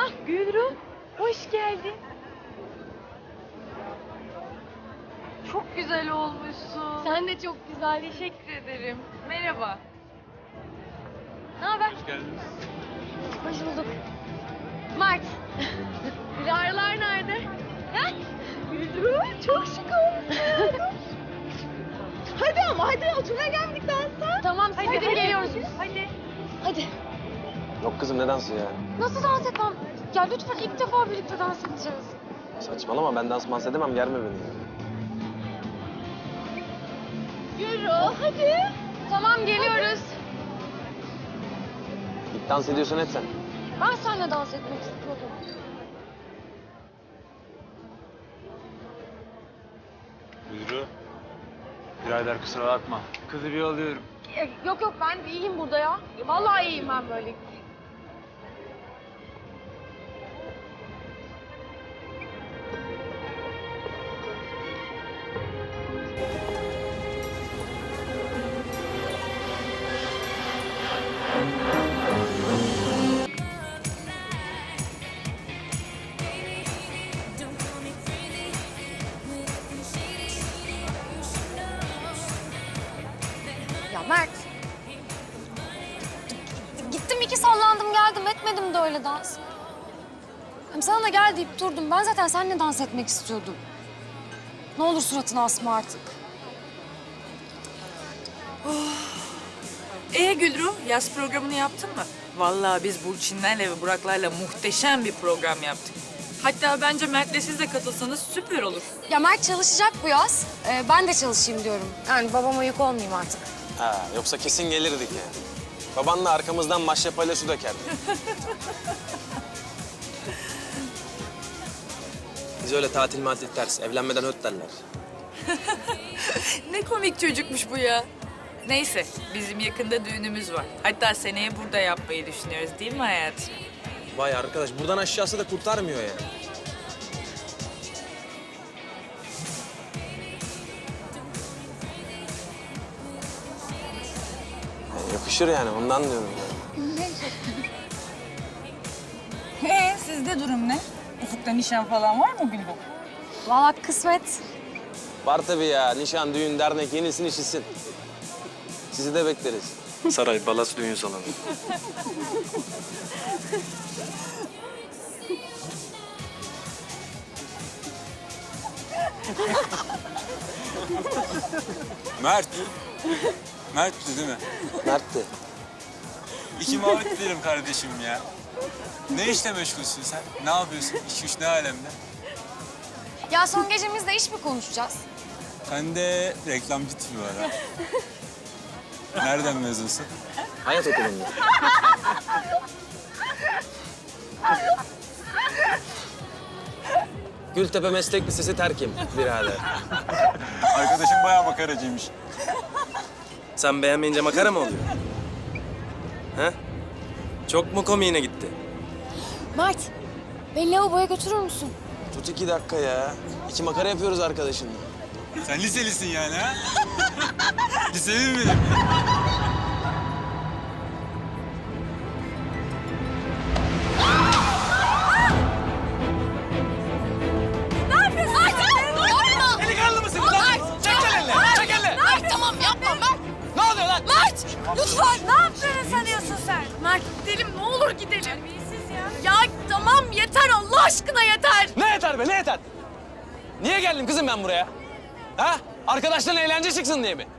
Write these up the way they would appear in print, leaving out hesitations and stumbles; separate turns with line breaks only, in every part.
Gülru, hoş geldin. Çok güzel olmuşsun.
Sen de çok güzel.
Teşekkür ederim. Merhaba. Ne haber?
Hoş geldiniz.
Hoş bulduk. Mert. Dilara'lar nerede?
Ha? Gülru, çok şık olmuşsun. Hadi ama hadi oturmaya geldik dansa.
Tamam siz gidin geliyoruz biz.
Hadi.
Hadi.
Yok kızım ne dansı ya?
Nasıl dans etmem? Ya lütfen ilk defa birlikte dans edeceğiz.
Saçmalama ben dans dans edemem germe beni.
Gülru, hadi.
Tamam geliyoruz.
İlk dans ediyorsan et sen.
Ben seninle dans etmek istiyordum.
Buyuru. Birader kusura bakma. Kızı bir alıyorum.
Yok ben iyiyim burada ya. Vallahi iyiyim ben böyle. Ya Mert. Gittim iki sallandım geldim etmedim de öyle dans. Hem sana da gel deyip durdum. Ben zaten seninle dans etmek istiyordum. Ne olur suratını asma artık.
Gülru, yaz programını yaptın mı? Vallahi biz Burçinlerle ve Buraklarla muhteşem bir program yaptık. Hatta bence Mert'le siz de katılsanız süper olur.
Ya Mert çalışacak bu yaz. Ben de çalışayım diyorum. Yani babama yük olmayayım artık.
Ha, yoksa kesin gelirdik yani. Babanla arkamızdan maşrapayla su dökerdi. Biz öyle tatil matil ters, evlenmeden öt derler.
Ne komik çocukmuş bu ya. Neyse, bizim yakında düğünümüz var. Hatta seneye burada yapmayı düşünüyoruz değil mi hayatım?
Vay arkadaş buradan aşağısı da kurtarmıyor yani. Yakışır yani ondan diyorum yani.
Sizde durum ne? Ufukta nişan falan var mı Gülru?
Vallahi kısmet.
Var tabii ya nişan, düğün, dernek yenisin işisin. Sizi de bekleriz.
Saray, Balas düğün salonu.
Mert. Mert'ti değil mi?
Mert'ti.
İki muhabbet edelim kardeşim ya. Ne işle meşgulsün sen? Ne yapıyorsun? İş güç ne alemde?
Ya son gecemizde iş mi konuşacağız?
Sen de reklamcı tipi var ha. Nereden mezunsun?
Hayat okulunda. Gültepe Meslek Lisesi terkim birader.
Arkadaşım bayağı makaracıymış.
Sen beğenmeyince makara mı oluyor? He? Çok mu komiğine gitti?
Mert, beni lavaboya götürür müsün?
Tut 2 dakika ya. 2 makara yapıyoruz arkadaşınla.
Sen liselisin yani ha? Liseli mi benim?
Delikanlı mısın lan? Çek elini! Çek elini!
Mert tamam yapma Mert.
Ne oluyor lan?
Mert lütfen ne yaptığını sanıyorsun sen? Mert gidelim ne olur gidelim. Terbiyesiz ya. Ya tamam yeter Allah aşkına yeter.
Ne yeter be ne yeter? Niye geldim kızım ben buraya? Ha? Arkadaşların eğlence çıksın diye mi?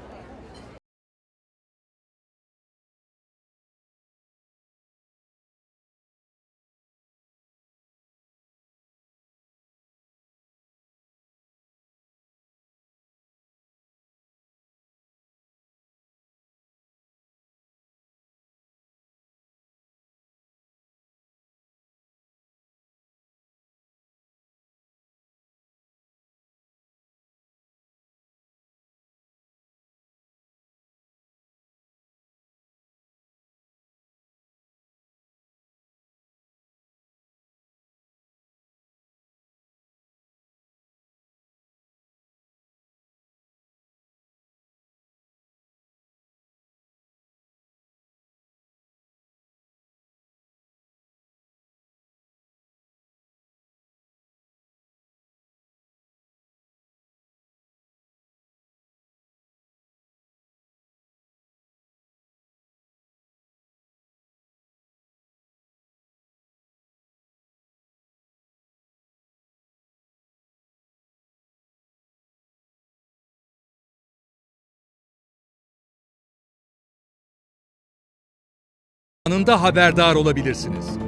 anında haberdar olabilirsiniz.